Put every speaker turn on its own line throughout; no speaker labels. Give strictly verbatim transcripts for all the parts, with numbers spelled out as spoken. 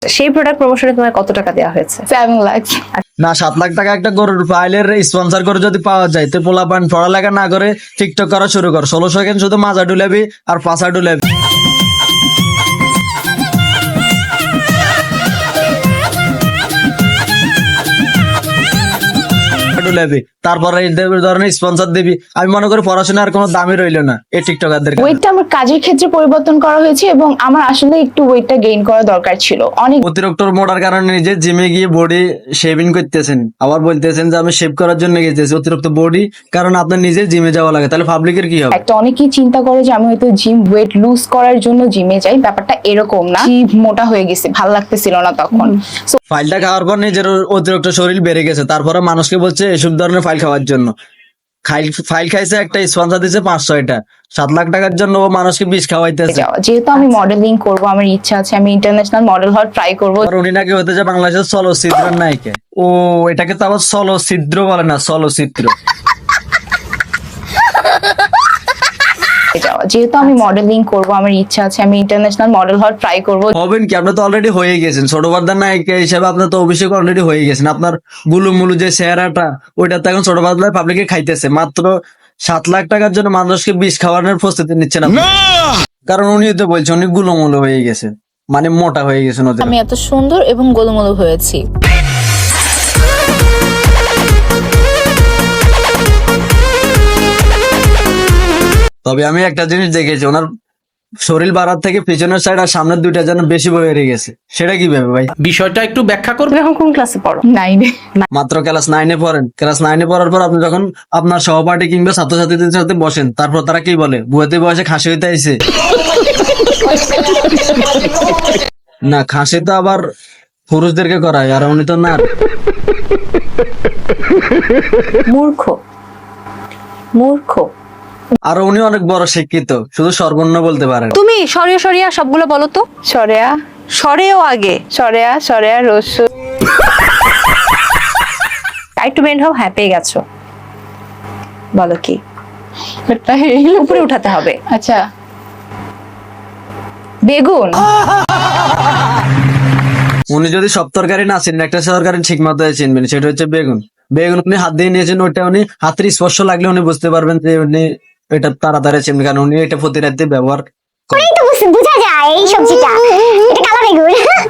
সেই প্রোডাক্ট প্রমোশনে তোমার কত টাকা দেওয়া হয়েছে?
সেভেন লাখ।
না, সাত লাখ টাকা একটা গরুর ফাইলের স্পন্সর করে যদি পাওয়া যায় তো পোলা পান পড়ালেখা না করে টিকটক করা শুরু কর। ষোলো সেকেন্ড শুধু মাজা ডুলাবি আর পাশা ডুলাবি ডুলাবি তারপরে এই ধরনের স্পন্সর দিবি। আমি মনে করি পড়াশোনার কোনো দামই রইলো না এই টিকটকারদের কাছে।
ওয়েটটা আমার কাজের ক্ষেত্রে পরিবর্তন করা হয়েছে এবং আমার আসলে একটু ওয়েটটা গেইন করা দরকার ছিল। অনেক
অতিরিক্ত মোটার কারণে নিজে জিমে গিয়ে বডি শেভিং করতেছেন, আবার বলতেছেন যে আমি শেভ করার জন্য গেছি। অতিরিক্ত বডি কারণ আপনার নিজে জিমে যাওয়া লাগে, তাহলে পাবলিকের কি হবে?
একটা অনেকেই চিন্তা করে যে আমি হয়তো জিম ওয়েট লুজ করার জন্য জিমে যাই, ব্যাপারটা এরকম না। জিম মোটা হয়ে গেছে, ভালো লাগতেছিল না তখন। So,
ফাইলটা খাওয়ার পর নিজের অতিরিক্ত শরীর বেড়ে গেছে, তারপরে মানুষকে বলছে এসব ধরনের ফাইল খাওয়ার জন্য। ফাইল খাইছে, একটা স্পন্সর দিচ্ছে পাঁচ ছয়টা, সাত লাখ টাকার জন্য ও মানুষকে বিষ খাওয়াইতেছে।
যাওয়া যেহেতু আমি মডেলিং করব, আমার ইচ্ছা আছে আমি ইন্টারন্যাশনাল মডেল হওয়ার ট্রাই করব।
আর উনি নাকি হতে যায় বাংলাদেশের চলচ্চিত্রের নায়িকা। ও এটাকে তো আবার চলচ্চিত্র বলে না, চলচ্চিত্র।
যাওয়া যেহেতু আমি মডেলিং করব, আমার ইচ্ছা আছে আমি ইন্টারন্যাশনাল মডেল হওয়ার ট্রাই করব।
হবেন কি, আপনি তো অলরেডি হয়ে গেছেন ছোট পর্দার নায়িকা হিসেবে। আপনার তো অভিষেক অলরেডি হয়ে গেছেন। আপনার গুলুমুলু যে চেহারাটা, ওইটা তো এখন ছোট পর্দায় পাবলিকে খাইতেছে। মাত্র সাত লাখ টাকার জন্য মানুষকে বিষ খাওয়ানোর প্রস্তুতি নিচ্ছেন আপনি। কারণ উনি তো বলছে উনি গুলুমুলু হয়ে গেছে, মানে মোটা হয়ে গেছেন। ওদের
আমি এত সুন্দর এবং গোলুমোলু হয়েছি।
তবে আমি একটা জিনিস দেখেছি, ওনার শরীর বাড়ার থেকে পিছনের সাইড আর সামনের দুইটা যেন বেশি বেড়ে গেছে। সেটা কিভাবে ভাই?
বিষয়টা একটু ব্যাখ্যা করবে।
তুমি এখন কোন ক্লাসে পড়ো?
নাইনে।
মাত্র ক্লাস নাইনে পড়েন। ক্লাস নাইনে পড়ার পর আপনি যখন আপনার সহপাঠী কিংবা ছাত্রছাত্রীদের সাথে বসেন, তারপর তারা কি বলে? বুয়াতে বয়সে খাসি হইতে আইছে। না, খাসি তো আবার পুরুষদেরকে করায়, আর উনি তো না।
মূর্খ, মূর্খ।
আর উনি অনেক বড় শিক্ষিত, শুধু সর্বর্ণ বলতে পারেন।
তুমি সরিয়া সরিয়া সবগুলো বলো তো।
সরেয়া
সরেও আগে
সরেয়া সরেয়া রসু।
একটু বেন্ড হও। হ্যাঁ, পেয়ে গেছো। বলো কি? উপরে উঠাতে হবে।
আচ্ছা,
বেগুন।
উনি যদি সব তরকারি না চিনেন, একটা তরকারি ঠিক মতো চিনবেন, সেটা হচ্ছে বেগুন। বেগুন আপনি হাত দিয়ে নিয়েছেন, ওইটা উনি হাতের স্পর্শ লাগলে উনি বুঝতে পারবেন যে উনি এটা তাড়াতাড়ি চিনবেন, কারণ উনি এটা প্রতিরাতে ব্যবহার করেন।
তো বুঝা যায় এই সবজিটা। এটা কালো বেগুন।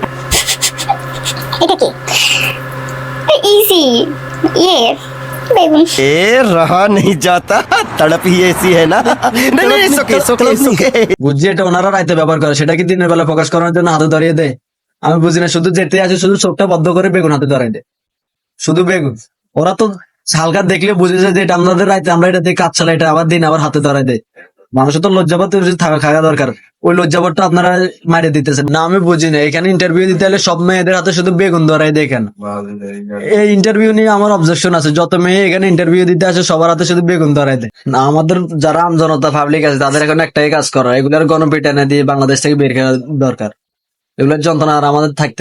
এটা কি? ইজি। ইয়ে বেগুন।
ए रहा नहीं जाता, तड़प ही ऐसी है ना। नहीं नहीं सुके सुके सुके
বুঝছি এটা ওনারা রাইতে ব্যবহার করে, সেটা কি দিনের বেলা ফোকাস করার জন্য হাতে ধরিয়ে দেয়? আমি বুঝি না। শুধু যেতে আছে, শুধু চোখটা বদ্ধ করে বেগুন হাতে ধরাই দেয়, শুধু বেগুন। ওরা তো হালকা দেখলে বুঝে যায় যে এটা আমাদের রাইতে আমরা এটা দিয়ে কাজ চালাই, এটা আবার দিন আবার হাতে ধরাই দেয়। মানুষের তো লজ্জাবোধ থাকা খাওয়া দরকার, ওই লজ্জাবোধটা আপনারা মারে দিতেছেন না। আমি বুঝি না, এখানে ইন্টারভিউ দিতে হলে সব মেয়েদের হাতে শুধু বেগুন ধরাই দেখেন। এই ইন্টারভিউ নিয়ে আমার অবজেকশন আছে। যত মেয়ে এখানে ইন্টারভিউ দিতে আসে সবার হাতে শুধু বেগুন ধরাই দেয় না। আমাদের যারা আমজনতা পাবলিক আছে তাদের এখন একটাই কাজ করা, এগুলার গণপিটানে দিয়ে বাংলাদেশ থেকে বের করা দরকার। এগুলোর যন্ত্রণা আর আমাদের থাকতে